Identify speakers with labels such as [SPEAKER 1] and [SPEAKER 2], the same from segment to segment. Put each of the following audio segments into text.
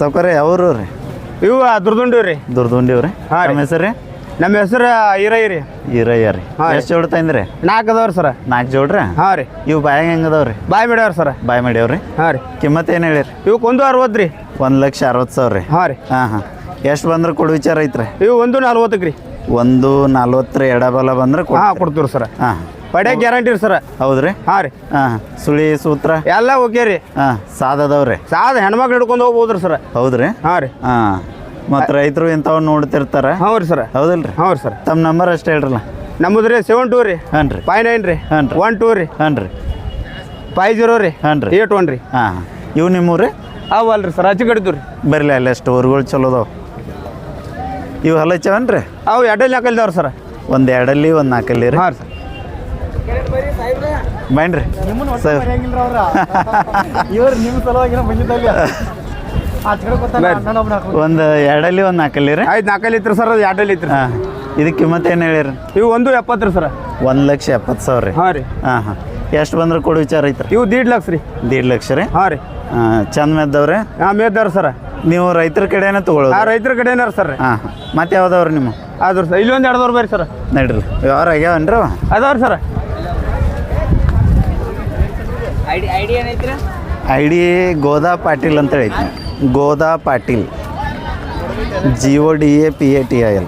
[SPEAKER 1] ಸೌಕರ್ಯ ಯಾವ್ರು ರೀ?
[SPEAKER 2] ಇವು ದುರ್ದುಂಡಿವ್ ರೀ.
[SPEAKER 1] ದುರ್ದುಂಡಿವ್ ರೀ. ನಮ್ಮ ಹೆಸರು ರೀ?
[SPEAKER 2] ನಮ್ಮ ಹೆಸರು ಈರಯ್ಯ ರೀ.
[SPEAKER 1] ಈರಯ್ಯ ರೀ. ಎಷ್ಟು ಜೋಡಿ ತಂದ್ರಿ?
[SPEAKER 2] 4 ಅದಾವ್ರಿ ಸರ.
[SPEAKER 1] 4 ಜೋಡ್ರಿ?
[SPEAKER 2] ಹಾಂ ರೀ.
[SPEAKER 1] ಇವು ಬಾಯಾಗ ಹೆಂಗದವ್ರಿ?
[SPEAKER 2] ಬಾಯ್ ಮಾಡ್ಯಾವ್ರಿ ಸರ.
[SPEAKER 1] ಬಾಯ್ ಮಾಡ್ಯಾವ್ರಿ.
[SPEAKER 2] ಹಾಂ ರೀ.
[SPEAKER 1] ಕಿಮ್ಮತ್ ಏನು ಹೇಳಿರಿ?
[SPEAKER 2] ಇವಕ್ಕೆ 1.60 ರೀ.
[SPEAKER 1] 1,60,000 ರೀ.
[SPEAKER 2] ಹಾಂ ರೀ.
[SPEAKER 1] ಹಾಂ ಎಷ್ಟು ಬಂದ್ರೆ ಕೊಡು ವಿಚಾರ ಐತ್ರಿ?
[SPEAKER 2] ಇವು 1.40 ರೀ.
[SPEAKER 1] 1.40 ಎಡಬಲ ಬಂದ್ರೆ
[SPEAKER 2] ಕೊಡ್ತೀವಿ ಸರ.
[SPEAKER 1] ಹಾಂ
[SPEAKER 2] ಪಡೆ ಗ್ಯಾರಂಟಿ ರೀ ಸರ.
[SPEAKER 1] ಹೌದ್ರಿ?
[SPEAKER 2] ಹಾಂ ರೀ.
[SPEAKER 1] ಹಾಂ ಸುಳಿ ಸೂತ್ರ
[SPEAKER 2] ಎಲ್ಲ ಓಕೆ ರೀ.
[SPEAKER 1] ಹಾಂ ಸಾದದವ್ರಿ?
[SPEAKER 2] ಸಾದ ಹೆಣ್ಮಕ್ಳು ಹಿಡ್ಕೊಂಡು ಹೋಗ್ಬೋದ್ರಿ ಸರ.
[SPEAKER 1] ಹೌದ್ರಿ?
[SPEAKER 2] ಹಾಂ ರೀ.
[SPEAKER 1] ಹಾಂ ಮತ್ತು ರೈತರು ಇಂಥವ್ ನೋಡ್ತಿರ್ತಾರ.
[SPEAKER 2] ಹ್ಞೂ ರೀ ಸರ.
[SPEAKER 1] ಹೌದಲ್ರಿ?
[SPEAKER 2] ಹ್ಞೂ ರೀ ಸರ್.
[SPEAKER 1] ತಮ್ಮ ನಂಬರ್ ಅಷ್ಟೇ ಹೇಳ್ರಲ್ಲ.
[SPEAKER 2] ನಮ್ಮದು ರೀ 72 ರೀ.
[SPEAKER 1] ಹಾಂ ರೀ.
[SPEAKER 2] 59 ರೀ.
[SPEAKER 1] ಹಾಂ ರೀ.
[SPEAKER 2] 12 ರೀ.
[SPEAKER 1] ಹಾಂ ರೀ.
[SPEAKER 2] 50 ರೀ.
[SPEAKER 1] ಹಾಂ ರೀ.
[SPEAKER 2] 81 ರೀ.
[SPEAKER 1] ಹಾಂ ಇವು ನಿಮ್ಮೂರಿ?
[SPEAKER 2] ಅವಲ್ರಿ ಸರ್, ಹಚ್ಚಿ ಕಡಿತು ರೀ.
[SPEAKER 1] ಬರಲಿ ಅಲ್ಲಿ ಅಷ್ಟು ಊರುಗಳು ಚಲೋ ಅದಾವ. ಇವು ಹಲಚವನ್ ರೀ?
[SPEAKER 2] ಅವು 2 4 ಸರ್.
[SPEAKER 1] ಒಂದು 2 ಒಂದು 4 ರೀ.
[SPEAKER 2] ಹಾಂ ಸರ್.
[SPEAKER 1] ಬನ್ರಿ ಸರ್.
[SPEAKER 3] ಇವ್ರು ನಿಮ್ಮ ಸಲುವಾಗಿನ ಬಂದಿದ್ದಲ್ಲಿ
[SPEAKER 1] ಒಂದು 2 ಒಂದು 4 ರೀ.
[SPEAKER 2] ಆಯ್ತು 4 ಐತ್ರಿ ಸರ್. ಅದು 2 ಐತ್ರಿ.
[SPEAKER 1] ಹಾಂ ಇದಕ್ಕೆ ಕಿಮ್ಮತ್ತು ಏನು ಹೇಳಿರಿ?
[SPEAKER 2] ಇವು 1.70 ರೀ ಸರ್.
[SPEAKER 1] 1,70,000 ರೀ.
[SPEAKER 2] ಹಾಂ ರೀ.
[SPEAKER 1] ಹಾಂ ಹಾಂ ಎಷ್ಟು ಬಂದ್ರೆ ಕೊಡು ವಿಚಾರ ಐತ್ರಿ?
[SPEAKER 2] ಇವು 1.5 ಲಕ್ಷ ರೀ.
[SPEAKER 1] 1.5 ಲಕ್ಷ ರೀ.
[SPEAKER 2] ಹಾಂ ರೀ.
[SPEAKER 1] ಚಂದ ಮೇದ್ದವ್ರಿ?
[SPEAKER 2] ಹಾಂ ಮೇದ್ದಾರ ಸರ.
[SPEAKER 1] ನೀವು ರೈತರ ಕಡೆನೇ ತೊಗೊಳೋದು?
[SPEAKER 2] ಹಾಂ ರೈತರ ಕಡೆನಾರ ಸರ್.
[SPEAKER 1] ಹಾಂ ಹಾಂ ಮತ್ತೆ ಯಾವ್ದವ್ರಿ ನಿಮ್ಮ?
[SPEAKER 2] ಆದ್ರು ಸರ್ ಇಲ್ಲಿ ಒಂದು 2 ಬರ್ರಿ ಸರ್.
[SPEAKER 1] ನಡ್ರಿ ವ್ಯವಹಾರ ಆಗ್ಯಾವನ್ರಿ?
[SPEAKER 2] ಅದಾವ್ರಿ ಸರ್.
[SPEAKER 1] ಐಡಿ ಗೋದಾ ಪಾಟೀಲ್ ಅಂತ ಐತಿ. ಗೋದಾ ಪಾಟೀಲ್ GODAPATIL.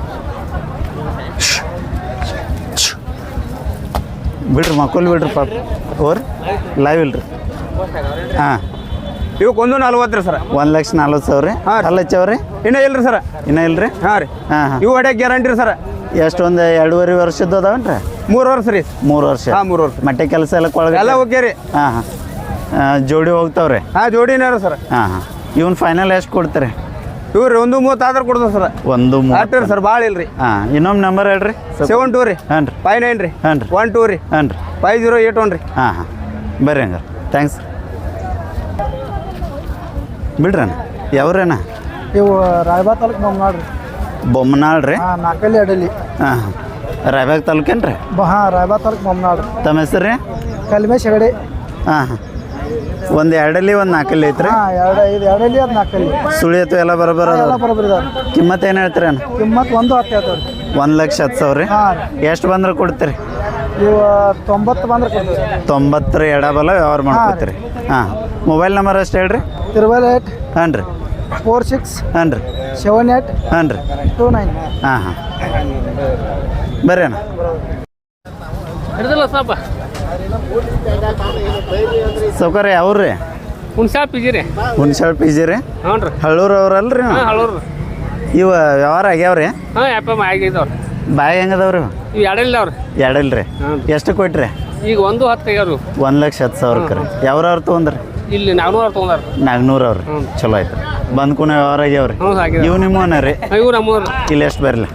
[SPEAKER 1] ಬಿಡ್ರಿ ಮಕ್ಕಳು ಬಿಡ್ರಿ ಪಾಪ ಓರ್ ಲೈವ್ ಇಲ್ರಿ. ಹಾಂ
[SPEAKER 2] ಇವಕ್ಕೆ 1.40 ರೀ ಸರ್.
[SPEAKER 1] 1,40,000 ರೀ.
[SPEAKER 2] ಹಾಂ
[SPEAKER 1] ಅಲ್ಲ ಹಚ್ಚವ್ರಿ?
[SPEAKER 2] ಇನ್ನೂ ಇಲ್ರಿ ಸರ್.
[SPEAKER 1] ಇನ್ನೂ ಇಲ್ರಿ?
[SPEAKER 2] ಹಾಂ ರೀ.
[SPEAKER 1] ಹಾಂ ಹಾಂ
[SPEAKER 2] ಇವು ಹೊಡ್ಯಾಕ ಗ್ಯಾರಂಟಿ ರೀ ಸರ್.
[SPEAKER 1] ಎಷ್ಟು ಒಂದು 2.5 ವರ್ಷದ್ದು ಅದಾವನ್ರಿ?
[SPEAKER 2] 3 ವರ್ಷ ರೀ.
[SPEAKER 1] 3 ವರ್ಷ.
[SPEAKER 2] ಹಾಂ 3 ವರ್ಷ.
[SPEAKER 1] ಮಟ್ಟೆ ಕೆಲಸ ಎಲ್ಲ ಕೊಳಗ
[SPEAKER 2] ಎಲ್ಲ ಓಕೆ ರೀ.
[SPEAKER 1] ಹಾಂ ಹಾಂ ಜೋಡಿ ಹೋಗ್ತಾವ್ರಿ?
[SPEAKER 2] ಹಾಂ ಜೋಡಿನಾರ ಸರ್.
[SPEAKER 1] ಹಾಂ ಹಾಂ ಇವ್ನು ಫೈನಲ್ ಎಷ್ಟು ಕೊಡ್ತೀರಿ?
[SPEAKER 2] ಇವ್ರಿ 1.30 ಆದ್ರೆ ಕೊಡ್ತೀವಿ ಸರ್.
[SPEAKER 1] 1.30
[SPEAKER 2] ಅಷ್ಟು ಸರ್, ಭಾಳ ಇಲ್ರಿ.
[SPEAKER 1] ಹಾಂ ಇನ್ನೊಮ್ಮೆ ನಂಬರ್ ಹೇಳ್ರಿ.
[SPEAKER 2] 72 ರೀ.
[SPEAKER 1] ಹಾಂ ರೀ.
[SPEAKER 2] 59 ರೀ.
[SPEAKER 1] ಹಾಂ ರೀ.
[SPEAKER 2] 12 ರೀ.
[SPEAKER 1] ಹಾಂ ರೀ.
[SPEAKER 2] 5081 ರೀ.
[SPEAKER 1] ಹಾಂ ಹಾಂ ಬರ್ರಿ ಹಂಗಾರೆ ಥ್ಯಾಂಕ್ಸ್. ಬಿಡ್ರಣ್ಣ ಯಾವ್ರೇನ?
[SPEAKER 3] ಇವು ರಾಯಬಾಗ್ ತಾಲೂಕು ಬೊಮ್ಮನಾಳ್ ರೀ.
[SPEAKER 1] ಬೊಮ್ಮನಾಳ್ ರೀ?
[SPEAKER 3] ಹಾಂ 4 ಅಡಲಿ.
[SPEAKER 1] ಹಾಂ ಹಾಂ ರಾಯಬಾಗ್ ತಾಲೂಕೇನು ರೀ?
[SPEAKER 3] ಹಾಂ ರಾಯಬಾಗ್ ತಾಲೂಕು ಬೊಮ್ಮನಾಳ್ ರೀ.
[SPEAKER 1] ತಮ್ಮ ಹೆಸರು ರೀ?
[SPEAKER 3] ಕಲ್ಮೇಶ್ ಹೆಗಡೆ.
[SPEAKER 1] ಹಾಂ ಹಾಂ ಒಂದು 2 ಒಂದು 4 ಐತ್ರಿ?
[SPEAKER 3] ಹಾಂ 2 ಅಡಲಿ ಅದು 4
[SPEAKER 1] ಸುಳಿ ಅಥವಾ ಎಲ್ಲ ಬರೋಬರ
[SPEAKER 3] ಎಲ್ಲ ಬರೋಬ್ಬರಿ ಇದಾವೆ.
[SPEAKER 1] ಕಿಮ್ಮತ್ತು ಏನು ಹೇಳ್ತೀರಿ ಅಣ್ಣ?
[SPEAKER 3] ಕಿಮ್ಮತ್ತು 1.10 ಹೇಳ್ತಾವೆ ರೀ.
[SPEAKER 1] 1,10,000 ರೀ.
[SPEAKER 3] ಹಾಂ ರೀ.
[SPEAKER 1] ಎಷ್ಟು ಬಂದ್ರೆ ಕೊಡ್ತೀರಿ?
[SPEAKER 3] ಇವು 90 ಬಂದ್ರೆ ಕೊಡ್ತೀವಿ.
[SPEAKER 1] 90 ಎಡಬಲ ವ್ಯವಹಾರ ಮಾಡ್ಕೊತೀರಿ. ಹಾಂ ಮೊಬೈಲ್ ನಂಬರ್ ಅಷ್ಟು ಹೇಳ್ರಿ.
[SPEAKER 3] 8
[SPEAKER 1] ಹಾಂ ರೀ.
[SPEAKER 3] 46
[SPEAKER 1] ಹಾಂ ರೀ.
[SPEAKER 3] 78
[SPEAKER 1] ಹಾಂ ರೀ.
[SPEAKER 3] 29.
[SPEAKER 1] ಹಾಂ ಹಾಂ ಬರ್ರಿ ಅಣ್ಣ.
[SPEAKER 4] ಹಿಡಿದಿಲ್ಲ ಸಾಪ
[SPEAKER 1] ಸೌಕರ್ಯ ಯಾವ್ರು ರೀ?
[SPEAKER 4] ಹುಣ್ಸಾಪ್ ಪಿಜಿ ರೀ.
[SPEAKER 1] ಹುಣ್ಸಾಳ್ PG ರೀ?
[SPEAKER 4] ಹ್ಞೂ ರೀ.
[SPEAKER 1] ಹಳ್ಳೂರು ಅವ್ರಲ್ರಿ?
[SPEAKER 4] ಹಾಂ ಹಳೂರು.
[SPEAKER 1] ಇವು ವ್ಯವಹಾರ ಆಗ್ಯಾವ್ರಿ?
[SPEAKER 4] ಹಾಂ ಯಾಪ ಆಗಿದ್ದಾವ್ರಿ.
[SPEAKER 1] ಬಾಯಿ ಹೆಂಗದವ್ರಿ?
[SPEAKER 4] ಇವು 2 ಇಲ್ಲವ್ರಿ.
[SPEAKER 1] 2 ಇಲ್ರಿ? ಎಷ್ಟು ಕೊಟ್ರಿ?
[SPEAKER 4] ಈಗ 1.10 ಆಗ್ಯಾವ್ರಿ.
[SPEAKER 1] 1,10,000 ರೀ. ಯಾವ್ರವ್ರು ತೊಗೊಂಡ್ರಿ?
[SPEAKER 4] ಇಲ್ಲಿ 400 ತೊಗೊಂಡಾರ.
[SPEAKER 1] 400 ಅವ್ರಿ. ಚಲೋ ಆಯ್ತು. ಬಂದ್ ಕೂನ ವ್ಯವಹಾರ ಆಗ್ಯಾವ್ರಿ?
[SPEAKER 4] ಹ್ಞೂ ಆಗಿದೆ.
[SPEAKER 1] ಇವು ನಿಮ್ಮವನ ರೀ?
[SPEAKER 4] ಇವು ನಮ್ಮೂರು.
[SPEAKER 1] ಇಲ್ಲಿ ಎಷ್ಟು ಬರಲಿ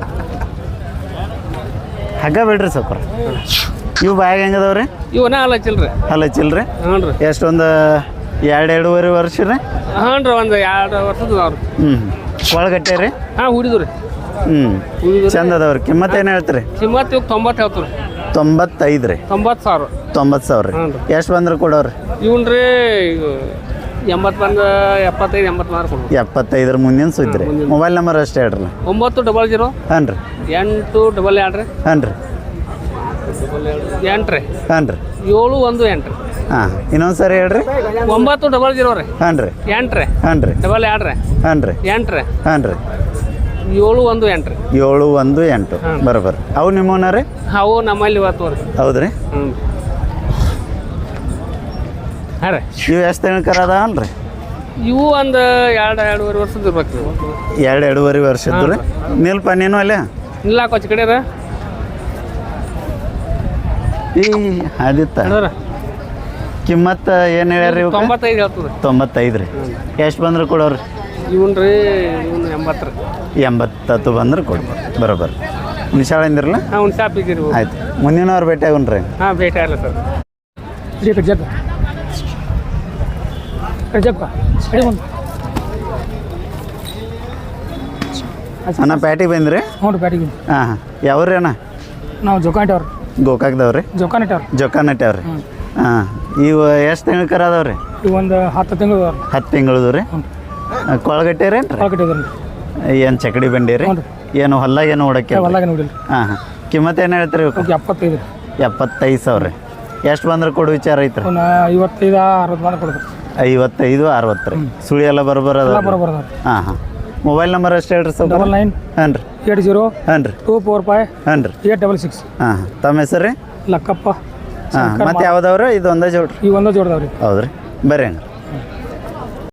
[SPEAKER 1] ಹಗ್ಗ ಬಿಡ್ರಿ ಸ್ವಲ್ಪ. ಇವು ಬಾಯಾಗ ಹೆಂಗದವ್ರಿ?
[SPEAKER 4] ಇವನ ಹಚ್ಚಿಲ್ರಿ.
[SPEAKER 1] ಹಲಚಿಲ್ರಿ?
[SPEAKER 4] ಹ್ಞೂ ರೀ.
[SPEAKER 1] ಎಷ್ಟೊಂದು 2-2.5 ವರ್ಷ ರೀ?
[SPEAKER 4] ಹ್ಞೂ ರೀ. ಒಂದು 2 ವರ್ಷದ ಅವ್ರಿ.
[SPEAKER 1] ಒಳಗಟ್ಟೆ ರೀ?
[SPEAKER 4] ಹಾಂ ಹುಡಿದು ರೀ.
[SPEAKER 1] ಚಂದ ಅದಾವ್ರಿ. ಕಿಮ್ಮತ್ತು ಏನು ಹೇಳ್ತೀರಿ?
[SPEAKER 4] ಕಿಮ್ಮತ್ತು ಇವಾಗ 90 ಹೇಳ್ತೀವಿ.
[SPEAKER 1] 95 ರೀ.
[SPEAKER 4] 90,000.
[SPEAKER 1] 90,000 ರೀ. ಎಷ್ಟು ಬಂದ್ರೆ ಕೊಡೋರಿ?
[SPEAKER 4] ಇವನ್ ರೀ 80 ಬಂದು 75 80 ಮಾರು ಕೊಡ್ಬೋದು.
[SPEAKER 1] 75 ಮುಂದಿನ ಸುದ್ದಿ ರೀ. ಮೊಬೈಲ್ ನಂಬರ್ ಅಷ್ಟೇ ಹೇಳ್ರಿ.
[SPEAKER 4] 900
[SPEAKER 1] ಹಾಂ ರೀ.
[SPEAKER 4] 822 ರೀ.
[SPEAKER 1] ಹಾಂ ರೀ.
[SPEAKER 4] 8 ರೀ.
[SPEAKER 1] ಹಾಂ ರೀ.
[SPEAKER 4] 718 ರೀ.
[SPEAKER 1] ಹಾಂ ಇನ್ನೊಂದು ಸರಿ ಹೇಳ್ರಿ.
[SPEAKER 4] 900 ರೀ.
[SPEAKER 1] ಹಾಂ ರೀ.
[SPEAKER 4] 8 ರೀ.
[SPEAKER 1] ಹಾಂ ರೀ.
[SPEAKER 4] 22 ರೀ.
[SPEAKER 1] ಹಾಂ ರೀ.
[SPEAKER 4] 8 ರೀ.
[SPEAKER 1] ಹಾಂ ರೀ.
[SPEAKER 4] 718 ರೀ.
[SPEAKER 1] 718 ಬರೋಬ್ಬರ. ಅವು ನಿಮ್ಮವನ ರೀ?
[SPEAKER 4] ಅವು ನಮ್ಮಲ್ಲಿ ಇವತ್ತು ರೀ.
[SPEAKER 1] ಹೌದು ರೀ?
[SPEAKER 4] ಹ್ಞೂ ಹಾಂ ರೀ.
[SPEAKER 1] ಇವು ಎಷ್ಟು ತಿಂಗ್ಳು ಅದಾವಲ್ಲ ರೀ?
[SPEAKER 4] ಇವು ಒಂದು 2-2.5 ವರ್ಷದ ಇರ್ಬೇಕು ನೀವು.
[SPEAKER 1] 2-2.5 ವರ್ಷದ್ದು ರೀ. ನಿಲ್ಪ ನೀನು ಅಲ್ಲೇ
[SPEAKER 4] ಇಲ್ಲ ಕೊಚ್ಚ ಕಡೆ ರೀ.
[SPEAKER 1] ಈ ಆದಿತ್ತ
[SPEAKER 4] ನೋಡ್ರಿ
[SPEAKER 1] ಕಿಮ್ಮತ್ತು ಏನು ಹೇಳ್ಯಾರ?
[SPEAKER 4] 95 ಹೇಳ್ತದೆ.
[SPEAKER 1] 95 ರೀ. ಎಷ್ಟು ಬಂದ್ರೆ ಕೊಡೋರಿ?
[SPEAKER 4] ಇವನ್ ರೀ ಇವನು 80 ರೀ.
[SPEAKER 1] 80 ಬಂದ್ರೆ ಕೊಡ್ಬೋದು ಬರೋಬ್ಬರ. ಹುಣ್ಸಾಳಿಂದಿರಲ್ಲ?
[SPEAKER 4] ಹಾಂ ಹುಣ್ಸಾಪ್ ಇದ್ದೀರಿ.
[SPEAKER 1] ಆಯ್ತು ಮುಂದಿನವ್ರು ಭೇಟಿ ಆಗೋಣ್ರಿ.
[SPEAKER 4] ಹಾಂ ಭೇಟಿ ಆಗಲ್ಲ ಸರ್.
[SPEAKER 1] ಅಣ್ಣ ಪ್ಯಾಟಿಗೆ ಬಂದ್ರಿ?
[SPEAKER 3] ಹ್ಞೂ ರೀ ಪ್ಯಾಟಿಗೆ.
[SPEAKER 1] ಹಾಂ ಹಾಂ ಯಾವ್ರಿ ಅಣ್ಣ?
[SPEAKER 3] ನಾವು ಜೋಕಾನಟ್ಟವ್ರಿ.
[SPEAKER 1] ಗೋಕಾಕ್ದವ್ರಿ? ಜೋಕಾನಟ್ಟವ್ರಿ. ಹಾಂ ಇವು ಎಷ್ಟು ತಿಂಗಳು ಅದಾವ್ರಿ?
[SPEAKER 3] ಇವು ಒಂದು 10 ತಿಂಗಳು.
[SPEAKER 1] 10 ತಿಂಗಳದು ರೀ? ಕೊಳಗಟ್ಟೆರೇನು ರೀ
[SPEAKER 3] ಕಟ್ಟಿದ್ರಿ
[SPEAKER 1] ಏನು ಚಕಡಿ ಬಂಡಿ ರೀ
[SPEAKER 3] ಹ್ಞೂ
[SPEAKER 1] ಏನು ಹೊಲ್ದಾಗ ಏನು ಹೊಡಕ್ಕೆ
[SPEAKER 3] ಹೊಲ್ದಾಗ ನೋಡಿಲ್ಲ
[SPEAKER 1] ಹಾಂ ಹಾಂ ಕಿಮ್ಮತ್ತು ಏನು ಹೇಳ್ತೀರಿ ಇವಕ್ಕೆ?
[SPEAKER 3] ಓಕೆ 75
[SPEAKER 1] 75 ಸಾವಿರ ರೀ ಎಷ್ಟು ಬಂದ್ರೆ ಕೊಡು ವಿಚಾರ ಐತ್ರಿ
[SPEAKER 3] ಅವನ್ನ 55 60 ಬಂದು ಕೊಡ್ತಾರೆ
[SPEAKER 1] 55 60 ರೀ ಸುಳಿ ಎಲ್ಲ ಬರೋಬರ
[SPEAKER 3] ಎಲ್ಲ ಬರೋಬರ
[SPEAKER 1] ಹಾಂ ಹಾಂ ಮೊಬೈಲ್ ನಂಬರ್ ಅಷ್ಟು ಹೇಳ್ರಿ ಸರ್
[SPEAKER 3] 99
[SPEAKER 1] ಹಾಂ ರೀ
[SPEAKER 3] 80
[SPEAKER 1] ಹಾಂ ರೀ
[SPEAKER 3] 245
[SPEAKER 1] ಹಾಂ ರೀ
[SPEAKER 3] 866
[SPEAKER 1] ಹಾಂ ಹಾಂ ತಮ್ಮ ಹೆಸರು ರೀ
[SPEAKER 3] ಲಕ್ಕಪ್ಪ
[SPEAKER 1] ಹಾಂ ಮತ್ತೆ ಯಾವ್ದವ್ರಿ ಇದು ಒಂದೇ ಜೋಡ್ರಿ
[SPEAKER 3] ಈ ಒಂದೇ ಜೋಡ್ದಾವ್ರಿ
[SPEAKER 1] ಹೌದ್ರಿ ಬರ್ರಿ ಹಂಗೆ